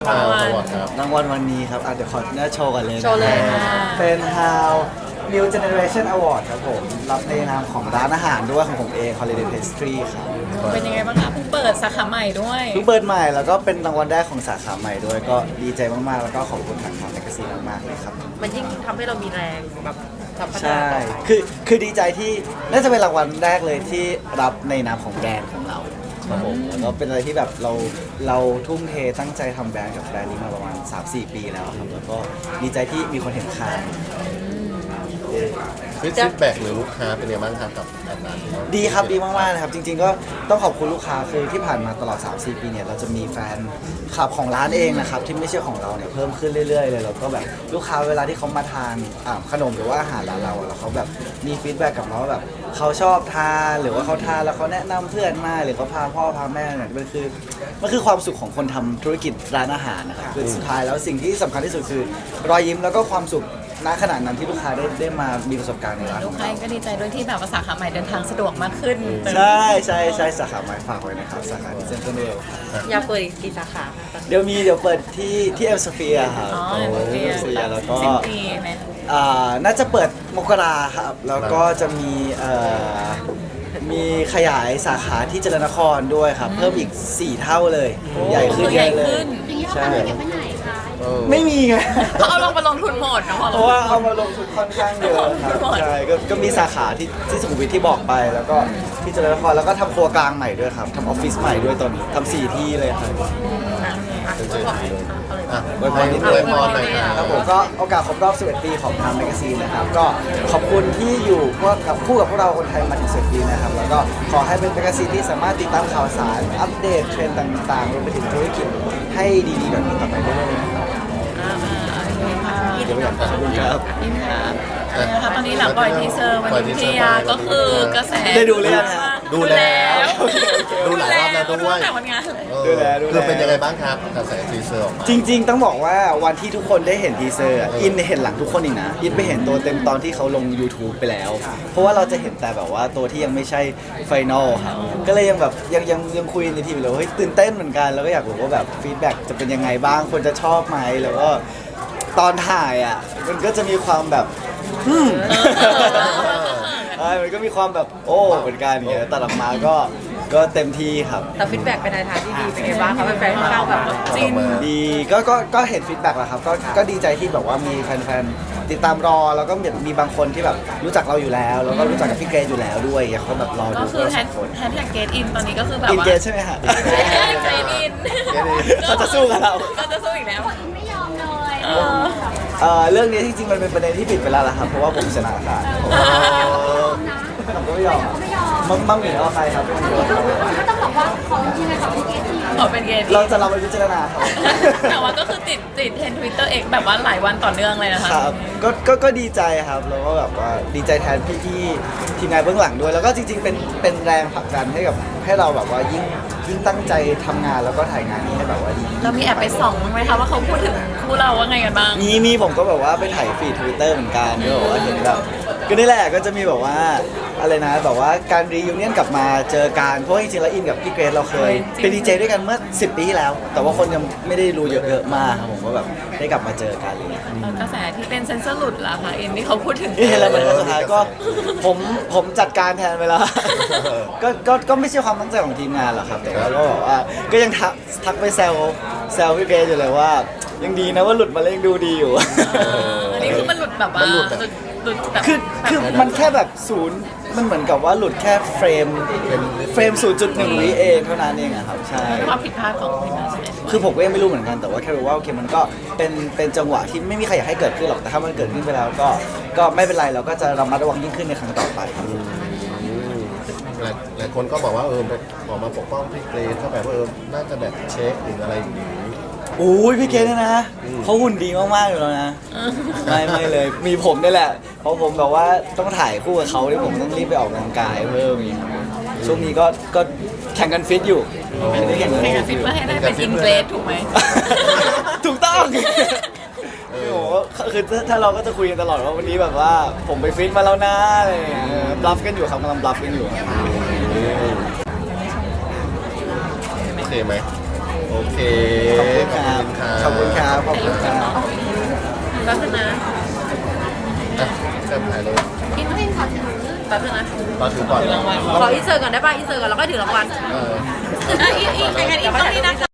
รางวัลครับรางวัลวันนี้ครับเดี๋ยวขอหน้าโชว์กันเลยนะโชว์เลยค่ะเป็น How New Generation Award ครับผมรับในนามของร้านอาหารด้วยของผมเอง Holiday Pastry ครับเป็นยังไงบ้างคะเพิ่งเปิดสาขาใหม่ด้วยเพิ่งเปิดใหม่แล้วก็เป็นรางวัลแรกของสาขาใหม่ด้วยก็ดีใจมากๆ แล้วก็ขอบคุณทางแมกกาซีนมากๆเลยครับมันยิ่งทำให้เรามีแรงแบบสัมพันธ์ใช่ คือดีใจที่น่าจะเป็นรางวัลแรกเลยที่รับในนามของแบรนด์ของเราครับผมแล้วก็เป็นอะไรที่แบบเราทุ่มเทตั้งใจทำแบรนด์กับแบรนด์นี้มาประมาณ 3-4 ปีแล้วครับแล้วก็ดีใจที่มีคนเห็นค่าฟีดแบ็กหรือลูกค้าเป็นยังไงบ้างครับกับร้านนี้ดีครับดีมากๆนะครับจริงๆก็ต้องขอบคุณลูกค้าคือที่ผ่านมาตลอด 3-4 ปีเนี่ยเราจะมีแฟนคลับของร้านเองนะครับที่ไม่ใช่ของเราเนี่ยเพิ่มขึ้นเรื่อยๆเลยแล้วก็แบบลูกค้าเวลาที่เขามาทานขนมหรือว่าอาหารร้านเราแล้วเขาแบบมีฟีดแบ็กกับเราว่าแบบเขาชอบทานหรือว่าเขาทานแล้วเขาแนะนำเพื่อนมาหรือเขาพาพ่อพาแม่เนี่ยมันคือความสุขของคนทำธุรกิจร้านอาหารนะครับคือสุดท้ายแล้วสิ่งที่สำคัญที่สุดคือรอยยิ้มแล้วก็ความสุขณขณะนั้นที่ลูกค้าได้มามีประสบการณ์ในร้านลูกค้าก็ดีใจด้วยที่แบบว่าสาขาใหม่เดินทางสะดวกมากขึ้นใช่สาขาใหม่ฝากไว้นะครับสาขาที่เซ็นทรัลเวิลด์อยากเปิดอีกกี่สาขาคะเดี๋ยวเปิดที่เอ็มสเฟียครับอ๋อเฟียสเฟียแล้วก็สิ้นปีไหมน่าจะเปิดมกราครับแล้วก็จะมีขยายสาขาที่เจริญนครด้วยครับ เพิ่มอีก 4 เท่าเลย ใหญ่ขึ้นใหญ่เยอะเลยขึ้นใช่เออไม่มีไงเอาลงมาลงทุนหมดนะเพราะว่าเอามาลงทุนค่อนข้างเยอะครับใช่ก็มีสาขาที่สุขุมวิทที่บอกไป แล้วก็ที่เจริญนครแล้วก็ทำครัวกลางใหม่ด้วยครับทำออฟฟิศใหม่ด้วยตอนนี้ทำ4 ที่เลยครับเป็นเจดีเลยอ่ะอวยพรนิดนึงอวยพรหน่อยคครัรับบผมก็โอกาสครบรอบ 11 ปีของทางแมกกาซีนนะครับ ก็ขอบคุณที่อยู่กับพวกเราคนไทยมาถึง 11 ปีนะครับ แล้วก็ขอให้เป็นแมกกาซีนที่สามารถติดตามข่าวสาร อัปเดตเทรนด์ต่างๆรวมไปถึงธุรกิจให้ดีๆแบบนี้ต่อไปเรื่อยๆนะครับโอเคค่ะเดี๋ยวไปอยากขอบคุณครับอินครับเป็นไงคะตอนนี้หลังปล่อยทีเซอร์วันนี้พี่ยาก็คือกระแสได้ดูหรือยังฮะดูแล้วดูหลายรอบแล้วด้วยตั้งแต่วันงานเลยเออคือเป็นยังไงบ้างครับกระแสทีเซอร์ออกมาจริงๆ ต้องบอกว่าวันที่ทุกคนได้เห็นทีเซอร์อินเห็นหลังทุกคนอีกนะอินไปเห็นตัวเต็มตอนที่เขาลง YouTube ไปแล้ว เพราะว่าเราจะเห็นแต่แบบว่าตัวที่ยังไม่ใช่ไฟนอลครับก็เลยยังแบบยังคุยในทีมเลยว่าเฮ้ยตื่นเต้นเหมือนกันแล้วก็อยากรู้ว่าแบบฟีดแบ็กจะเป็นยังไงบ้างคนจะชอบไหมแล้วก็ตอนถ่ายอ่ะมันก็จะมีความแบบมันก็มีความแบบโอ้เหมือนกันอย่างเงี้ยแต่ออกมาก็เต็มที่ครับแต่ฟีดแบ็กเป็นในทางที่ดีเป็นไงบ้างคะแฟนๆค่อนข้างแบบจินดีก็เห็นฟีดแบ็กแล้วครับก็ดีใจที่แบบว่ามีแฟนๆติดตามรอแล้วก็มีบางคนที่แบบรู้จักเราอยู่แล้ว แล้วก็รู้จักกับพี่เกรซอยู่แล้วด้วยอย่างเขาแบบรอดูก็คือเราแฮสองคนชแท็กเกตอินตอนนี้ก็คือแบบอินว่าเกรซใช่ไหมฮะเกตอินเขาจะสู้กับเราก็จะสู้อีกแล้วไม่ยอมเลยเรื่องนี้จริงๆมันเป็นประเด็นที่ปิดไปแล้วล่ะครับเพราะว่าผมชนะค่ะผมก็ไม่ยอมมั่งหนีเอาใครครับก็ต้องบอกว่าของจริงๆเลยของพี่เกดที่ขอเป็นเกตเราจะเราไปพิจารณาครับแต่ว่าก็คือติดเทรนทวิตเตอร์เอกแบบว่าหลายวันต่อเนื่องเลยนะคะครับก็ดีใจครับแล้วก็แบบว่าดีใจแทนพี่ทีมงานเบื้องหลังด้วย แล้วก็จริงๆเป็นแรงผลักดันให้เราแบบว่ายิ่งตั้งใจทำงานแล้วก็ถ่ายงานนี้ให้แบบว่าดีเรามีแอบไปส่องบ้างไหมคะว่าเขาพูดถึงคู่เราว่าไงกันบ้างมีผมก็แบบว่าไปถ่ายฟีดทวิตเตอร์เหมือนกันก็แบบว่าเห็นแบบก็นี่แหละก็จะมีแบบว่าอะไรนะแบบว่าการรียูเนียนกลับมาเจอกันเพราะว่าจริงๆแล้วอินกับพี่เกรซเราเคยเป็นดีเจด้วยกันเมื่อ10 ปีที่แล้ว แต่ว่าคนยังไม่ได้รู้เยอะๆมากครับผมก็แบบได้กลับมาเจอกันอะไรอย่างเลยกระแสที่เป็นเซนเซอร์หลุดล่ะคะอินที่เขาพูดถึงนี่เห็นแล้วมันสุดท้ายก็ผมจัดการแทนไปแล้ว ก็ไม่ใช่ความตั้งใจของทีมงานหรอกครับแต่ว่าก็แบบว่าก็ยังทักไปแซวพี่เกรซอยู่เลยว่า ยังดีนะว่าหลุดมาแล้วยังดูดีอยู่อันนี้คือมันหลุดแบบว่าหลุดแบบคือมันแค่แบบศูนย์มันเหมือนกับว่าหลุดแค่เฟรม 0.1 วิเองเท่านั้นเองอะครับใช่ความผิดพลาดของทีมงานใช่ไหมคือผมก็ยังไม่รู้เหมือนกันแต่ว่าแค่รู้ว่าโอเคมันก็เป็นจังหวะที่ไม่มีใครอยากให้เกิดขึ้นหรอกแต่ถ้ามันเกิดขึ้นไปแล้วก็ไม่เป็นไรเราก็จะระมัดระวังยิ่งขึ้นในครั้งต่อไปครับหลายคนก็บอกว่าไปออกมาปกป้องพี่เกรซเขาแบบว่าน่าจะแบบเช็คหรืออะไรอย่างนี้อุ้ยพี่เกดเนี่ยนะเขาหุ่นดีมากๆอยู่แล้วนะไม่เลยมีผมนี่แหละเพราะผมแบบว่าต้องถ่ายคู่กับเขาที่ผมต้องรีบไปออกกำลังกายเพิ่มอีกช่วงนี้ก็แข่งกันฟิตอยู่ไม่ได้แข่งกันแข่งกันฟิตเพื่อให้ได้เป็นอินเกรสถูกไหมถูกต้องโอ้โหคือถ้าเราก็จะคุยกันตลอดว่าวันนี้แบบว่าผมไปฟิตมาแล้วนะอะไรอย่างเงี้ยบลัฟกันอยู่ครับกำลังบลัฟกันอยู่โอเคไหมโอเคขอบคุณครับ ขอบคุณครับ ขอบคุณครับแป๊บนึงนะอ่ะเริ่มถ่ายเลยกินไม่ขอถือแป๊บนึงนะมาถือก่อนขออินเสิร์ตก่อนได้ป่ะอินเสิร์ตก่อนแล้วก็ถือรางวัลเอออีกต้องนี้นะคะ